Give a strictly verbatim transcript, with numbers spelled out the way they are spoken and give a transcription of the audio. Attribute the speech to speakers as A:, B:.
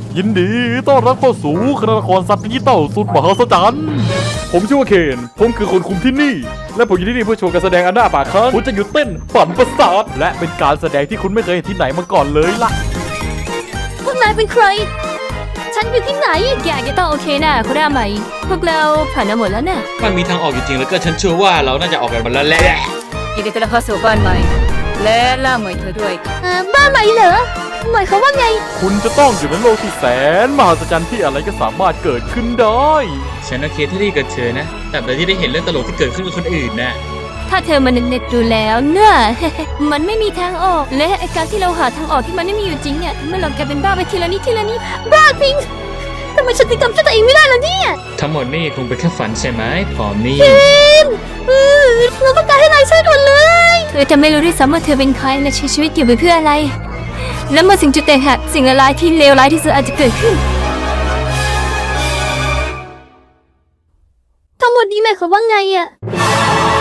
A: ยินดีต้อนรับเข้าสู่คณะละครสัตว์ดิจิตอลสุดมหัศจรรย์ผมชื่อว่าเคนผมคือคนคุมที่นี่และผมอยู่ที่นี่เพื่อโชว์การแสดงอันน่าปากค้างคุณจะหยุดเต้นปั่นประสาทและเป็นการแสดงที่คุณไม่เคยเห็นที่ไหนมาก่อนเลยล่ะ
B: พวกนายเป็นใครฉันอยู่ที่ไหนแกจะต้องโอเคนะคุณได้ไหมพวกเราผ่านมาหมดแล้วนะ
C: มันมีทางออกจริงๆแล้วก็ฉันเชื่อว่าเราน่าจะออกกันมาแล้วแหละ
D: ยินดีต้อนรับเข้าสู่บ้านใหม่และล่าใหม่เธอด้วย
B: เออบ้านใหม่เหรอหมายความว่าไง
A: คุณจะต้องอยู่ในโลกที่แสนมหัศจรรย์ที่อะไรก็สามารถเกิดขึ้นได้
C: ฉันโอเคที่ได้เกิดเธอนะแต่แบบที่ได้เห็นเรื่องตลกที่เกิดขึ้นกับคนอื่นนะ
B: ถ้าเธอมันเน็ตๆดูแล้วเนี่ย มันไม่มีทางออกและไอการที่เราหาทางออกที่มันไม่มีอยู่จริงเนี่ยทำให้เรากลายเป็นบ้าไปทีละนิดทีละนิดบ้าพิงทำไมฉันถึงจำตัวเองไม่ได้ล่ะเนี่ย
C: ทั้งหมดนี่คงเป็นแค่ฝันใช่ไหมผอมนี่
B: เออเราต้องการให้นายช่วยด่วนเลยเธอจะไม่รู้ด้วยซ้ำว่าเธอเป็นใครและใช้ชีวิตอยู่ไปเพื่ออะไรและเมื่อสิ่งจุดแตกหักสิ่งละลายที่เลวร้ายที่สุดอาจจะเกิดขึ้นทั้งหมดนี้หมายความว่าไงอะ